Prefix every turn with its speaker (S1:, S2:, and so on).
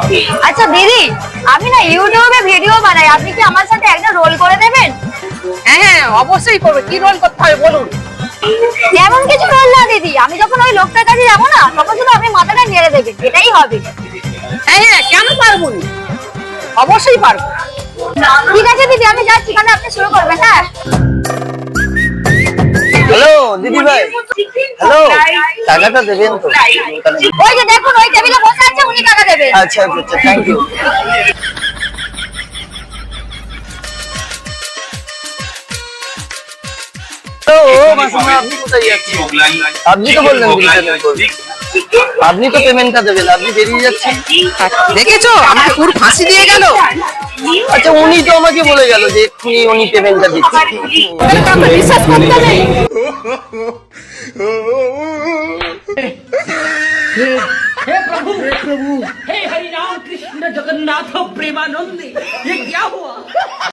S1: আচ্ছা দিদি, আমি না ইউটিউবে ভিডিও বানাই, আপনি কি আমার সাথে একটা রোল করে দেবেন?
S2: হ্যাঁ হ্যাঁ, অবশ্যই করবে। কি রোল করতে হবে বলুন?
S1: এমন কিছু রোল না দিদি, আমি যখন ওই লোকটার কাছে যাবো না, তখন শুধু আপনি মাথাটা নেড়ে দেবেন, এটাই হবে।
S2: হ্যাঁ হ্যাঁ, কেন পারবো না, অবশ্যই পারবো।
S1: ঠিক আছে দিদি, আমি যাচ্ছি, তাহলে আপনি শুরু করবেন। হ্যাঁ
S3: হ্যালো দিদি ভাই, হ্যালো, টাকাটা দেবেন তো?
S1: ওই যে দেখুন, ওই টেবিলে বসে আছে, উনি টাকা দেবেন।
S3: আচ্ছা আচ্ছা, থ্যাংক ইউ। আপনি কোথায় যাচ্ছেন? আপনি তো বললেন আপনি তো পেমেন্টটা দেবেন, আপনি বেরিয়ে যাচ্ছেন।
S2: দেখেছো, আমাকে পুরো ফাঁসি দিয়ে গেল।
S3: আচ্ছা, উনি তো আমাকে বলে গেল যে এক্ষুনি উনি পেমেন্টটা দিচ্ছেন।
S2: বিশ্বাস করতে নেই।
S4: हे प्रभु हे हरि राम कृष्ण जगन्नाथ प्रेमानंद, ये क्या हुआ?